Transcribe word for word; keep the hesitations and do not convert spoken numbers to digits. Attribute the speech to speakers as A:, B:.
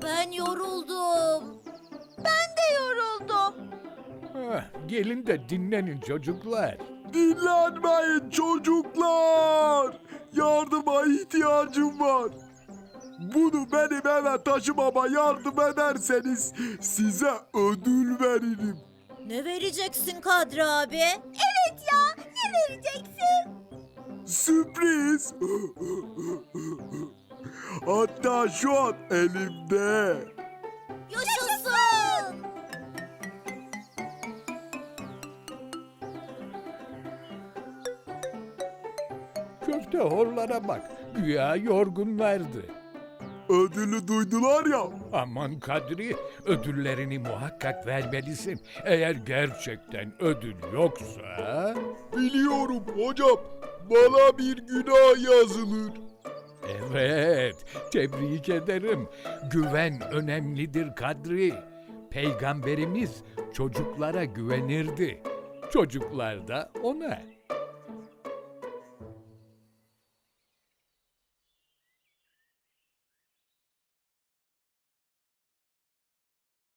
A: Ben yoruldum. Ben de yoruldum.
B: Heh, gelin de dinlenin çocuklar.
C: Dinlenmeyin çocuklar. Yardıma ihtiyacım var. Bunu benim eve taşımama yardım ederseniz size ödül veririm.
A: Ne vereceksin Kadri abi? Evet ya, ne vereceksin?
C: Sürpriz. Hatta şu an elimde.
A: Yaşasın!
B: Köfte horlara bak. Güya yorgunlardı.
C: Ödülü duydular ya.
B: Aman Kadri, ödüllerini muhakkak vermelisin. Eğer gerçekten ödül yoksa...
C: Biliyorum hocam. Bana bir günah yazılır.
B: Evet, tebrik ederim. Güven önemlidir Kadri. Peygamberimiz çocuklara güvenirdi. Çocuklar da ona.